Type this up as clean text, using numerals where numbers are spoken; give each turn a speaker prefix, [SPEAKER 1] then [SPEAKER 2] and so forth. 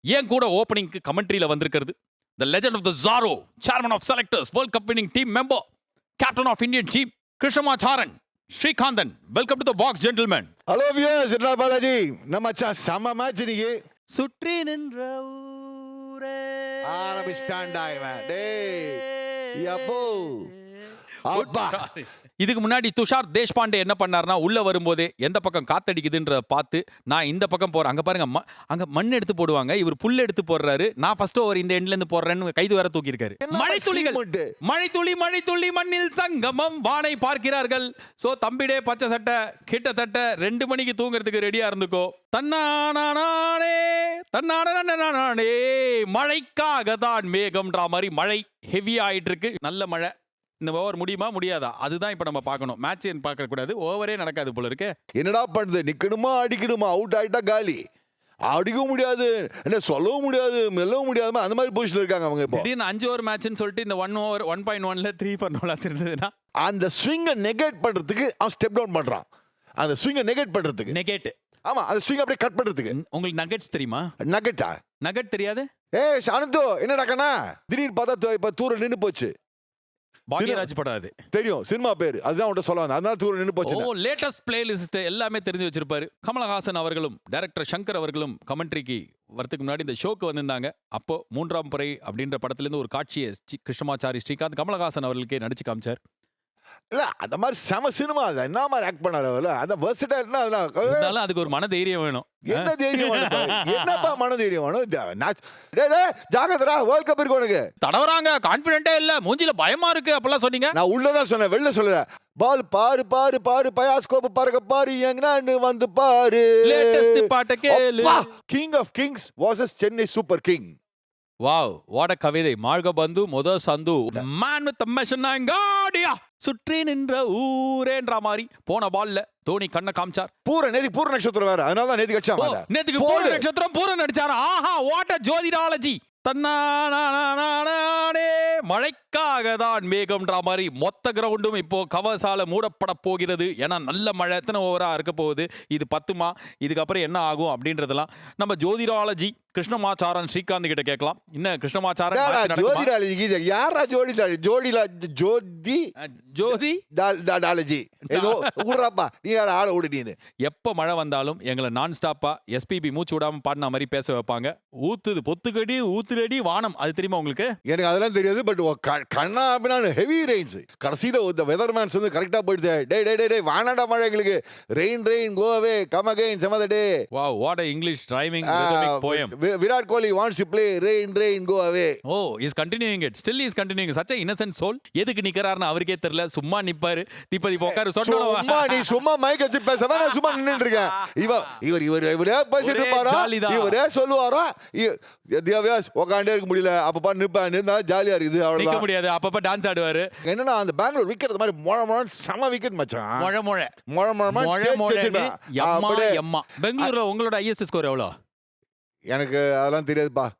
[SPEAKER 1] ஏன் கூட ஓப்பனிங்க்கு கமெண்ட்ரியில வந்திருக்கிறது the legend of the Zorro, chairman of selectors, World Cup winning team member, captain of Indian team, Krishnamacharan, Srikandan. Welcome to the box, gentlemen.
[SPEAKER 2] Hello views, என்ன பாலாஜி? நம்ம மச்சான் செம்ம match இன்னைக்கு.
[SPEAKER 1] சுற்றி நின்ற ஊரே
[SPEAKER 2] ஆரம்பிச்சிட்டான்டா இவன். டேய் யப்போ அப்பா.
[SPEAKER 1] இதுக்கு முன்னாடி துஷார் தேஷ்பாண்டே என்ன பண்ணார்னா, உள்ள வரும்போதே எந்த பக்கம் காத்தடிக்குதுன்றத பார்த்து நான் இந்த பக்கம் போறேன். அங்க பாருங்க, அங்க மண் எடுத்து போடுவாங்க, இவர் புல் எடுத்து போடுறாரு. நான் ஃபர்ஸ்ட் ஓவர் இந்த எண்ட்ல இருந்து போடுறேன்னு கைது வேற தூக்கி இருக்காரு. மழைத்துளிகள், மழைத்துளி மழைத்துளி மண்ணில் சங்கமம் வானை பார்க்கிறார்கள். சோ தம்பிடே பச்சை சட்டை கிட்டத்தட்ட 2 மணிக்கு தூங்குறதுக்கு ரெடியா இருந்துக்கோ. தன்னானே தன்னானே மழைக்காக தான் மேகம்ன்ற மாதிரி மழை ஹெவி ஆயிட்டு இருக்கு. நல்ல மழை. இந்த ஓவர் முடியுமா முடியாதா, அதுதான் இப்ப நம்ம பார்க்கணும். மேட்ச் பார்க்க கூடாது, ஓவரே நடக்காது போல இருக்கு.
[SPEAKER 2] என்னடா பண்ணுது? நிக்கணுமா அடிக்கணுமா? அவுட் ஆயிட்டா காலி. அடிக்கவும் முடியாது, என்ன சொல்லவும் முடியாது, மெல்லவும் முடியாத அந்த மாதிரி பொசிஷன்ல இருக்காங்க அவங்க. இப்போ
[SPEAKER 1] திடீர்னு 5 ஓவர் மேட்ச்னு சொல்லிட்டு இந்த 1 ஓவர் 1.1ல 3 for no loss இருந்ததுன்னா
[SPEAKER 2] அந்த ஸ்விங்கை நெகேட் பண்றதுக்கு அவன் ஸ்டெப் டவுன் பண்றான். அந்த ஸ்விங்கை நெகேட் பண்றதுக்கு.
[SPEAKER 1] நெகேட்.
[SPEAKER 2] ஆமா, அந்த ஸ்விங் அப்படியே கட் பண்றதுக்கு.
[SPEAKER 1] உங்களுக்கு நகெட்ஸ் தெரியுமா?
[SPEAKER 2] நகெட்டா?
[SPEAKER 1] நகெட் தெரியாது?
[SPEAKER 2] ஏய் சானந்தோ, என்னடா கண்ணா திடீர்னு பார்த்தா இப்ப தூர நின்னு போச்சு.
[SPEAKER 1] பாக்யராஜ் படம் அது.
[SPEAKER 2] தெரியும், சினிமா பேரு அதுதான் உன்கிட்ட சொல்ல வந்தேன். அதனால தூர நின்னு போச்சு.
[SPEAKER 1] ஓ, லேட்டஸ்ட் பிளேலிஸ்ட் எல்லாமே தெரிஞ்சு வச்சிருப்பாரு. கமலஹாசன் அவர்களும் டைரக்டர் சங்கர் அவர்களும் கமெண்ட்ரிக்கு வரதுக்கு முன்னாடி இந்த ஷோக்கு வந்திருந்தாங்க. அப்போ 3ஆம் பறை அப்படின்ற படத்துல இருந்து ஒரு காட்சியை கிருஷ்ணமாச்சாரி ஸ்ரீகாந்த் கமலஹாசன் அவர்களுக்கே நடிச்சு காமிச்சார்.
[SPEAKER 2] இல்ல அந்த மாதிரி செம சினிமா அது. என்ன மாதிரி ஆக்ட் பண்ணாரு அவரு? அந்த வெர்சடைல்னா
[SPEAKER 1] அதனால அதுக்கு ஒரு மன தைரியம் வேணும்.
[SPEAKER 2] என்ன தைரியம் வேணும்? என்னப்பா மன தைரியம் வேணும்? டேய் டேய் ஜாகிரதடா, வேர்ல்ட் கப் இருக்கு உனக்கு.
[SPEAKER 1] தடவறாங்க, கான்ஃபிடென்ட்டே இல்ல, மூஞ்சில பயமா இருக்கு அப்பலாம் சொன்னீங்க.
[SPEAKER 2] நான் உள்ளதான் சொன்னேன், வெளில சொல்லல. பால் பாரு பாரு பாரு, பயாஸ்கோப் பாருங்க பாரு, எங்கன்னு வந்து பாரு.
[SPEAKER 1] லேட்டஸ்ட் பாட்ட கேளு.
[SPEAKER 2] King of kings vs Chennai super king.
[SPEAKER 1] Wow, what a கவிதை. மார்க பந்து முத சந்து மேன் வித் மெஷன் காடியா சுற்றி நின்ற ஊரேன்ற மாதிரி போன பால்ல தோனி கண்ண காமிச்சார்.
[SPEAKER 2] நேதி பூர நட்சத்திரம் வேற, அதனால தான் நேதி கட்சா மாட்டா.
[SPEAKER 1] நேத்துக்கு பூர நட்சத்திரம் பூர நடிச்சாரா? ஆஹா, வாட் a ஜோதிடாலஜி. தன்னானே மழைக்காக தான் மேகம்ன்ற மாதிரி மொத்த கிரவுண்டும் இப்போ கவசால மூடப்பட போகிறது. ஏன்னா நல்ல மழை. எத்தனை ஓவரா இருக்க போகுது, இது 10மா, இதுக்கப்புறம் என்ன ஆகும் அப்படின்றதெல்லாம் நம்ம ஜோதிடாலஜி கிருஷ்ணமாச்சாரன் ஸ்ரீகாந்த் கிட்ட கேட்கலாம். என்ன கிருஷ்ணமாச்சாரன்
[SPEAKER 2] ஜோதிடாலஜி யாரா? ஜோதி டாலஜி ஏதோ ஊர்றாப்பா, நீ யார ஆள ஓடுனீன்னு.
[SPEAKER 1] எப்ப மழை வந்தாலும் எங்களை நான் ஸ்டாப்பா எஸ்பிபி மூச்சு விடாம பாடின மாதிரி பேச வைப்பாங்க. ஊத்துது பொத்துக்கடி ஊத்துலடி வானம், அது தெரியுமா உங்களுக்கு?
[SPEAKER 2] எனக்கு அதெல்லாம் தெரியாது. பட் கண்ணா அப்படின்னா ஹெவி ரெயின்ஸ். கடைசியில இந்த வெதர் மேன்ஸ் வந்து கரெக்டா போயிடுது. டேய் டேய் டேய் வானாடா மழை எங்களுக்கு. Rain rain go away come again some other day.
[SPEAKER 1] Wow, what a English rhyming rhythmic poem.
[SPEAKER 2] Virat Kohli wants to play rain rain go away.
[SPEAKER 1] Oh, is continuing it. Still is continuing. such a innocent soul. எதுக்கு நிக்கறாருன்னு அவருக்கே தெரியல. சும்மா நிப்பாரு. திப்பதி போக்காரு சொன்னோம்.
[SPEAKER 2] சும்மா நீ சும்மா mic வச்சு பேசவே, நான் சும்மா நின்னுட்டு இருக்கேன். இவரே பேசிட்டு பாரா, இவரே சொல்லுவாரா, திவ்யாஸ் உட்காண்டே இருக்க முடியல. அப்பப்பா நிப்பேன், நின்னா ஜாலியா இருக்குது.
[SPEAKER 1] நிக்க
[SPEAKER 2] அவ்வளவுதான்.
[SPEAKER 1] முடியாது, அப்பப்ப டான்ஸ் ஆடுவாரு.
[SPEAKER 2] என்னன்னா அந்த பெங்களூர் விக்கெட் மாதிரி மொழ செம விக்கெட் மச்சான்.
[SPEAKER 1] மொழ மொழ
[SPEAKER 2] மொழ
[SPEAKER 1] மொழ மொழ எம்மா எம்மா. பெங்களூர்ல உங்களோட ஐஎஸ்எஸ் ஸ்கோர் எவ்வளவு?
[SPEAKER 2] எனக்கு அதெல்லாம் தெரியாதுப்பா.